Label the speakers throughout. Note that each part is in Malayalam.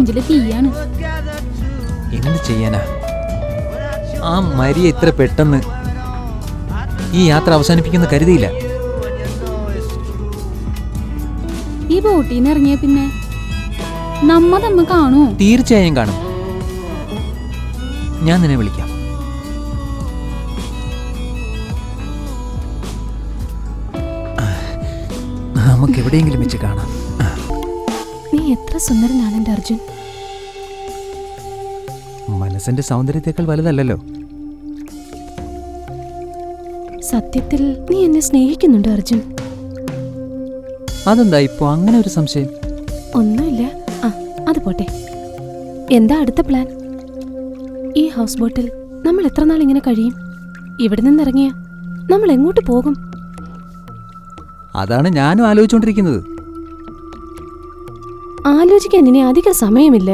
Speaker 1: നെഞ്ചില് തീയാണ്.
Speaker 2: എന്ത് ചെയ്യാനാ? ആ മരിയ ഇത്ര പെട്ടെന്ന് ഈ യാത്ര അവസാനിപ്പിക്കുന്ന കരുതിയില്ല.
Speaker 1: ഈ ബോട്ടിന്ന് ഇറങ്ങിയ പിന്നെ നമ്മ തമ്മ കാണൂ?
Speaker 2: തീർച്ചയായും കാണും. ഞാൻ നിന്നെ വിളിക്കാം. നമുക്ക് എവിടെയെങ്കിലും വെച്ച് കാണാം.
Speaker 3: നീ എത്ര സുന്ദരനാണ് എൻ്റെ അർജുൻ.
Speaker 2: മനസ്സിന്റെ സൗന്ദര്യത്തെക്കാൾ വലുതല്ലല്ലോ.
Speaker 3: സത്യത്തിൽ നീ എന്നെ സ്നേഹിക്കുന്നുണ്ട് അർജുൻ.
Speaker 2: അതെന്താ ഇപ്പോ അങ്ങനെ ഒരു സംശയം?
Speaker 3: ഒന്നുമില്ല. അത് പോട്ടെ. എന്താ അടുത്ത പ്ലാൻ? ഈ ഹൗസ് ബോട്ടിൽ നമ്മൾ എത്ര നാൾ ഇങ്ങനെ കഴിയും? ഇവിടെ നിന്നിറങ്ങിയ നമ്മൾ എങ്ങോട്ട് പോകും?
Speaker 2: അതാണ് ഞാനും ആലോചിച്ചുകൊണ്ടിരിക്കുന്നത്.
Speaker 3: ആലോചിക്കാൻ ഇനി അധിക സമയമില്ല.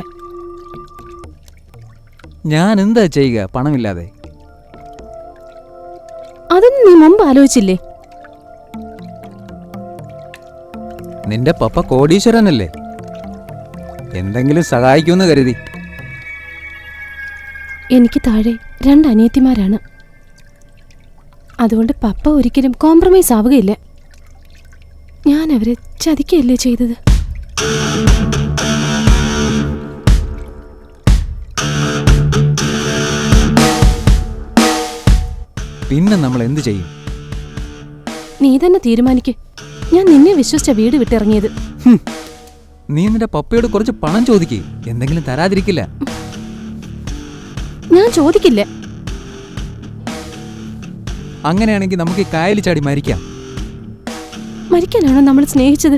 Speaker 2: ഞാൻ എന്താ ചെയ്യുക പണമില്ലാതെ?
Speaker 3: അതൊന്നും നീ മുമ്പ് ആലോചിച്ചില്ലേ?
Speaker 2: നിന്റെ പപ്പ കോടീശ്വരനല്ലേ, എന്തെങ്കിലും സഹായിക്കുമെന്ന് കരുതി.
Speaker 3: എനിക്ക് താഴെ 2 അനിയത്തിമാരാണ്. അതുകൊണ്ട് പപ്പ ഒരിക്കലും കോംപ്രമൈസ് ആവുകയില്ല. ഞാൻ അവരെ ചതിക്കുകയല്ലേ ചെയ്തത്.
Speaker 2: പിന്നെ നമ്മൾ എന്ത് ചെയ്യും?
Speaker 3: നീ തന്നെ തീരുമാനിക്ക്. ഞാൻ നിന്നെ വിശ്വസിച്ച വീട് വിട്ടിറങ്ങിയത്.
Speaker 2: നീ നിന്റെ പപ്പയോട് കുറച്ച് പണം ചോദിക്കേ, എന്തെങ്കിലും തരാതിരിക്കില്ല.
Speaker 3: ഞാൻ ചോദിക്കില്ല.
Speaker 2: അങ്ങനെയാണെങ്കിൽ നമുക്ക് ഈ കായലിൽ ചാടി മരിക്കാം.
Speaker 3: മരിക്കാനാണോ നമ്മൾ സ്നേഹിച്ചത്?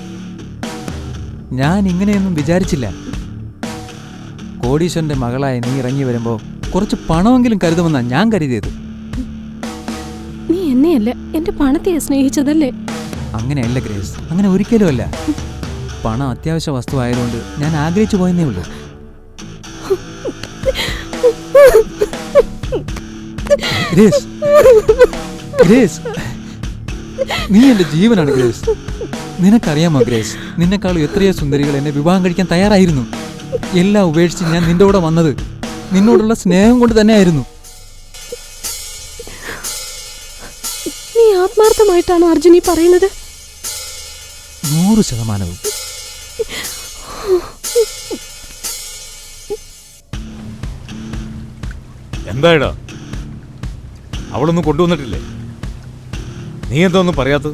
Speaker 2: ഞാൻ ഇങ്ങനെയൊന്നും വിചാരിച്ചില്ല. കോടീശ്വരന്റെ മകളായ നീ ഇറങ്ങി വരുമ്പോ കുറച്ച് പണമെങ്കിലും കരുതുമെന്നാ ഞാൻ കരുതിയത്.
Speaker 3: നീ എന്നെയല്ല, എന്റെ പണത്തെയാ സ്നേഹിച്ചതല്ലേ?
Speaker 2: അങ്ങനെയല്ല ഗ്രേസ്, അങ്ങനെ ഒരിക്കലും അല്ല. പണം അത്യാവശ്യ വസ്തു ആയതുകൊണ്ട് ഞാൻ ആഗ്രഹിച്ചു പോയെന്നേ ഉള്ളൂ. ഗ്രേസ്, ഗ്രേസ്, നീ എന്റെ ജീവനാണ് ഗ്രേസ്. നിനക്കറിയാമോ ഗ്രേസ്, നിന്നെക്കാളും എത്രയോ സുന്ദരികൾ എന്നെ വിവാഹം കഴിക്കാൻ തയ്യാറായിരുന്നു. എല്ലാം ഉപേക്ഷിച്ച് ഞാൻ നിന്റെ കൂടെ വന്നത് നിന്നോടുള്ള സ്നേഹം കൊണ്ട് തന്നെയായിരുന്നു.
Speaker 3: നീ ആത്മാർത്ഥമായിട്ടാണോ അർജുൻ ഈ പറയുന്നത്?
Speaker 2: 100%.
Speaker 4: എന്തായിടാ, അവളൊന്നും കൊണ്ടുവന്നിട്ടില്ലേ? നീ എന്താ ഒന്നും പറയാത്തത്?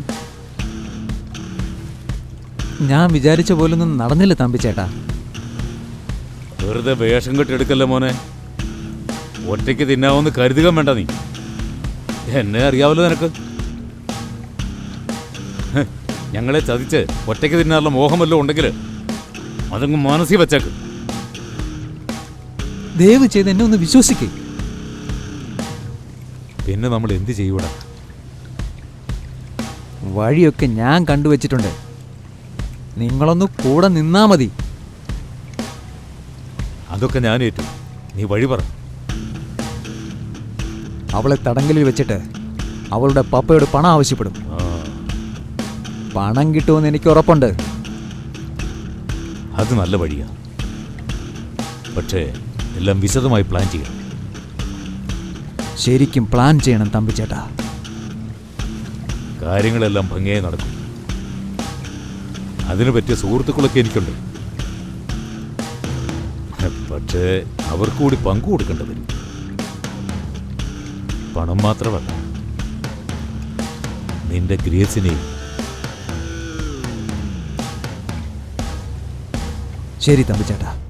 Speaker 2: ഞാൻ വിചാരിച്ച പോലൊന്നും നടന്നില്ല തമ്പിച്ചേട്ടാ.
Speaker 4: വെറുതെ വേഷം കെട്ടെടുക്കല്ലേ മോനെ. ഒറ്റയ്ക്ക് തിന്നാവെന്ന് കരുതുക വേണ്ട. നീ എന്നെ അറിയാവല്ലോ നിനക്ക്. ഞങ്ങളെ ചതിച്ച് ഒറ്റയ്ക്ക് തിന്നാറുള്ള മോഹമല്ലോ ഉണ്ടെങ്കിൽ അതങ്ങ് മനസ്സിൽ വെച്ചേക്ക്.
Speaker 2: ദയവ് ചെയ്ത് എന്നെ ഒന്ന് വിശ്വസിക്കേ.
Speaker 4: പിന്നെ നമ്മൾ എന്ത് ചെയ്യൂടാ?
Speaker 2: വഴിയൊക്കെ ഞാൻ കണ്ടുവച്ചിട്ടുണ്ട്. നിങ്ങളൊന്ന് കൂടെ നിന്നാ മതി.
Speaker 4: അതൊക്കെ ഞാൻ ഏറ്റു. നീ വഴി പറ.
Speaker 2: അവളെ തടങ്കലിൽ വെച്ചിട്ട് അവളുടെ പപ്പയോട് പണം ആവശ്യപ്പെടും. പണം കിട്ടുമെന്ന് എനിക്ക് ഉറപ്പുണ്ട്.
Speaker 4: അത് നല്ല വഴിയാ. പക്ഷേ എല്ലാം വിശദമായി പ്ലാൻ ചെയ്യണം.
Speaker 2: ശരിക്കും പ്ലാൻ ചെയ്യണം തമ്പിച്ചേട്ടാ.
Speaker 4: കാര്യങ്ങളെല്ലാം ഭംഗിയായി നടക്കും. അതിനു പറ്റിയ സുഹൃത്തുക്കളൊക്കെ എനിക്കുണ്ട്. പക്ഷേ അവർക്ക് കൂടി പങ്കു കൊടുക്കേണ്ടി വരും. പണം മാത്രമല്ല, നിന്റെ ഗ്രേസിനെയും.
Speaker 2: ശരി തമ്പിച്ചേട്ടാ.